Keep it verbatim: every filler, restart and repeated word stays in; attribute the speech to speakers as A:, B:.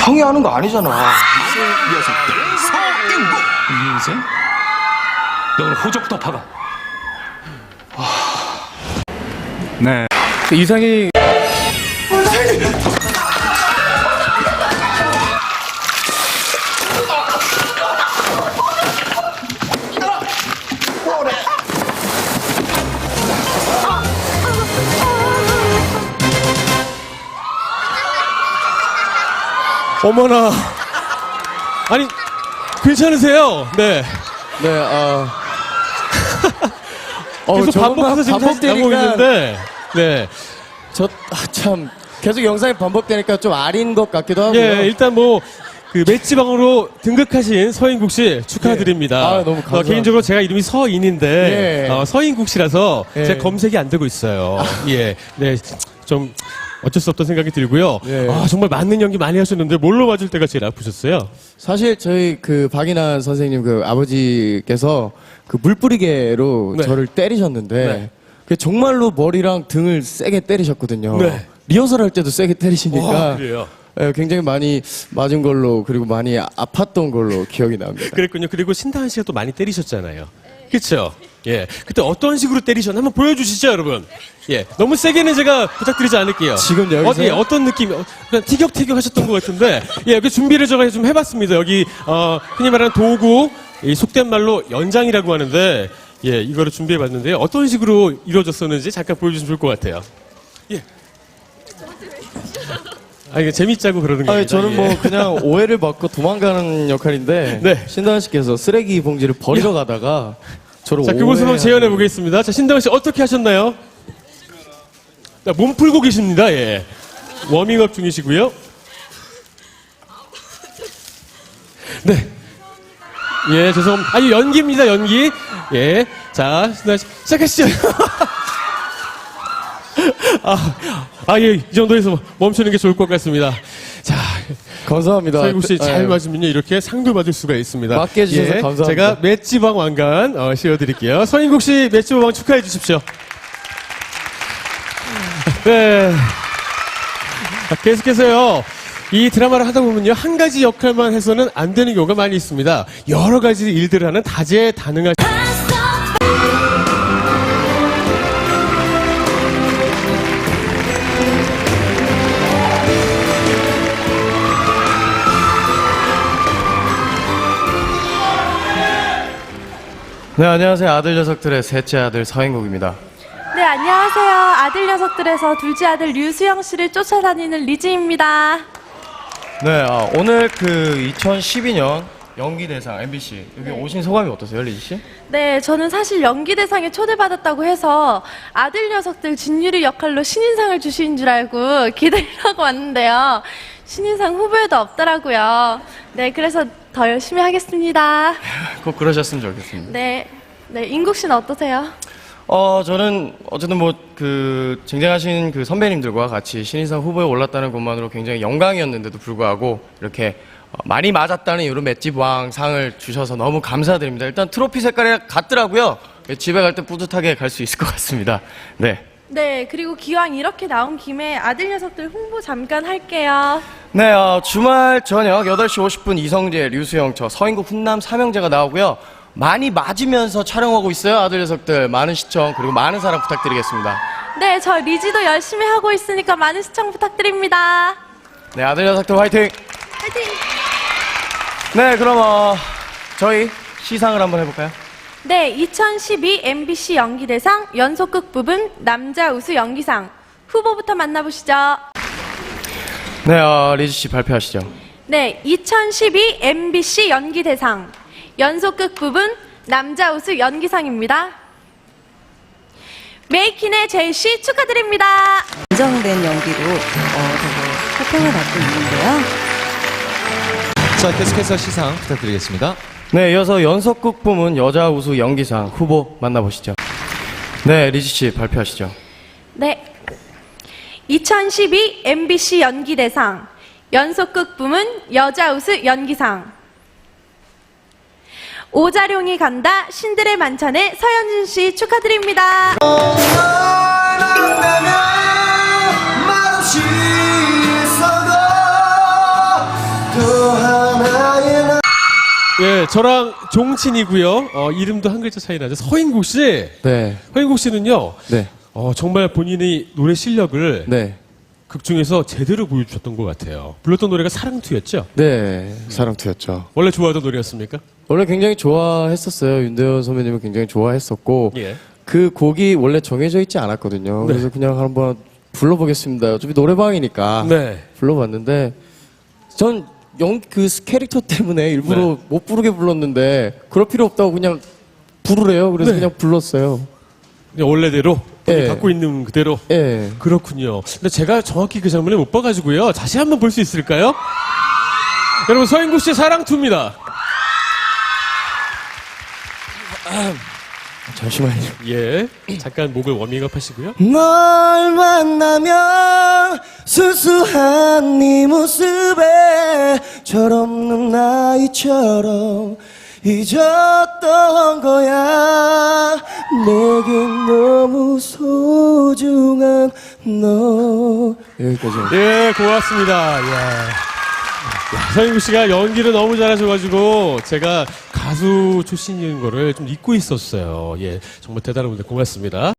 A: 형이 하는 거 아니잖아.
B: 녀석들 서인국.
C: 이인생? 너 오늘 호적부터 파가.
D: 네.
A: 이상이
E: 어머나. 아니, 괜찮으세요? 네.
A: 네, 어.
E: 계속 반복해서 지금 다시 나오고 있는데. 네.
A: 저, 아, 참. 계속 영상이 반복되니까 좀 아린 것 같기도 하고요.
E: 예, 일단 뭐, 그 맷지방으로 등극하신 서인국 씨 축하드립니다.
A: 예. 아, 너무 감사합니다.
E: 어, 개인적으로 제가 이름이 서인인데,
A: 예.
E: 어, 서인국 씨라서
A: 예.
E: 제 검색이 안 되고 있어요. 예. 네. 좀 어쩔 수 없다는 생각이 들고요.
A: 예.
E: 아, 정말 맞는 연기 많이 하셨는데 뭘로 맞을 때가 제일 아프셨어요?
A: 사실 저희 그 박인환 선생님 그 아버지께서 그 물뿌리개로
E: 네.
A: 저를 때리셨는데
E: 네.
A: 그 정말로 머리랑 등을 세게 때리셨거든요.
E: 네.
A: 리허설 할 때도 세게 때리시니까
E: 와, 그래요?
A: 예, 굉장히 많이 맞은 걸로 그리고 많이 아- 아팠던 걸로 기억이 납니다.
E: 그랬군요. 그리고 신다은 씨가 또 많이 때리셨잖아요. 그쵸? 예. 그때 어떤 식으로 때리셨나 한번 보여주시죠, 여러분. 예. 너무 세게는 제가 부탁드리지 않을게요.
A: 지금 여기서요?
E: 어디, 어떤 느낌, 어, 그냥 티격태격 하셨던 것 같은데, 예, 그 준비를 제가 좀 해봤습니다. 여기, 어, 흔히 말하는 도구, 이 속된 말로 연장이라고 하는데, 예, 이거를 준비해봤는데요. 어떤 식으로 이루어졌었는지 잠깐 보여주시면 좋을 것 같아요. 예. 아, 이게 재밌자고 그러는 거예요.
A: 아니, 저는 뭐 그냥 오해를 받고 도망가는 역할인데
E: 네.
A: 신다은 씨께서 쓰레기 봉지를 버리러 가다가 저를
E: 자, 그곳을 한번
A: 오해하는-
E: 재현해 보겠습니다. 자, 신다은 씨 어떻게 하셨나요? 자, 몸 풀고 계십니다. 예. 워밍업 중이시고요. 네. 예, 죄송합니다. 아니, 연기입니다, 연기. 예. 자, 신다은 씨, 시작하시죠. 아, 아, 예, 이 정도에서 멈추는 게 좋을 것 같습니다. 자,
A: 감사합니다.
E: 서인국 씨 잘
A: 예.
E: 맞으면요, 이렇게 상도 받을 수가 있습니다.
A: 맞게 해주셔서 감사합니다.
E: 제가 맷지방 왕관 어, 씌워드릴게요. 서인국 씨 맷지방 왕 축하해 주십시오. 네. 자, 계속해서요. 이 드라마를 하다 보면요, 한 가지 역할만 해서는 안 되는 경우가 많이 있습니다. 여러 가지 일들을 하는 다재다능한.
A: 네, 안녕하세요. 아들 녀석들의 셋째 아들 서인국입니다.
F: 네, 안녕하세요. 아들 녀석들에서 둘째 아들 류수영 씨를 쫓아다니는 리즈입니다.
A: 네, 아, 오늘 그 이천십이 년 연기대상 엠비씨 여기 오신 소감이 어떠세요, 리지 씨?
F: 네, 저는 사실 연기대상에 초대받았다고 해서 아들 녀석들 진유리 역할로 신인상을 주신 줄 알고 기대를 하고 왔는데요. 신인상 후보에도 없더라고요. 네, 그래서 더 열심히 하겠습니다.
A: 꼭 그러셨으면 좋겠습니다.
F: 네, 네, 인국 씨는 어떠세요?
A: 어, 저는 어쨌든 뭐 그 쟁쟁하신 그 선배님들과 같이 신인상 후보에 올랐다는 것만으로 굉장히 영광이었는데도 불구하고 이렇게 어, 많이 맞았다는 이런 맷집 왕 상을 주셔서 너무 감사드립니다. 일단 트로피 색깔이 같더라고요. 집에 갈 때 뿌듯하게 갈 수 있을 것 같습니다. 네.
F: 네, 그리고 기왕 이렇게 나온 김에 아들 녀석들 홍보 잠깐 할게요.
A: 네, 어, 주말 저녁 여덟 시 오십 분 이성재, 류수영, 저 서인국 훈남 삼형제가 나오고요. 많이 맞으면서 촬영하고 있어요. 아들 녀석들 많은 시청 그리고 많은 사랑 부탁드리겠습니다.
F: 네, 저 리지도 열심히 하고 있으니까 많은 시청 부탁드립니다.
A: 네, 아들 녀석들 화이팅!
F: 화이팅!
A: 네, 그럼 어, 저희 시상을 한번 해볼까요?
F: 네, 이천십이 엠비씨 연기대상 연속극 부분 남자 우수 연기상 후보부터 만나보시죠.
A: 네, 어, 리지 씨 발표하시죠.
F: 네, 이천십이 엠비씨 연기대상 연속극 부분 남자 우수 연기상입니다. 메이킨의 제이씨 축하드립니다.
G: 안정된 연기로 어, 되게 호평을 받고 있는데요.
H: 자, 계속해서 시상 부탁드리겠습니다.
A: 네, 이어서 연속극 부문 여자 우수 연기상 후보 만나보시죠. 네, 리지 씨 발표하시죠.
F: 네, 이천십이 엠비씨 연기대상 연속극 부문 여자 우수 연기상 오자룡이 간다 신들의 만찬의 서현진 씨 축하드립니다.
E: 예, 저랑 종친이고요. 어, 이름도 한 글자 차이 나죠. 서인국 씨.
A: 네.
E: 서인국 씨는요.
A: 네.
E: 어, 정말 본인의 노래 실력을
A: 네.
E: 극 중에서 제대로 보여주셨던 것 같아요. 불렀던 노래가 사랑투였죠?
A: 네. 사랑투였죠.
E: 원래 좋아하던 노래였습니까?
A: 원래 굉장히 좋아했었어요. 윤대현 선배님을 굉장히 좋아했었고
E: 예.
A: 그 곡이 원래 정해져 있지 않았거든요.
E: 네.
A: 그래서 그냥 한번 불러보겠습니다. 어차피 노래방이니까
E: 네.
A: 불러봤는데 전 영 그 캐릭터 때문에 일부러
E: 네.
A: 못 부르게 불렀는데 그럴 필요 없다고 그냥 부르래요. 그래서
E: 네.
A: 그냥 불렀어요.
E: 그냥 원래대로 본인이
A: 예.
E: 갖고 있는 그대로.
A: 예.
E: 그렇군요. 근데 제가 정확히 그 장면을 못 봐가지고요. 다시 한번 볼 수 있을까요? 여러분 서인국 씨의 사랑투입니다.
A: 잠시만요.
E: 예. 잠깐 목을 워밍업 하시고요.
A: 널 만나면 순수한 네 모습에 철없는 나이처럼 잊었던 거야. 내겐 너무 소중한 너. 여기까지.
E: 예, 고맙습니다. 이야. 야, 서인국 씨가 연기를 너무 잘하셔가지고 제가 가수 출신인 거를 좀 잊고 있었어요. 예, 정말 대단한 분들 고맙습니다.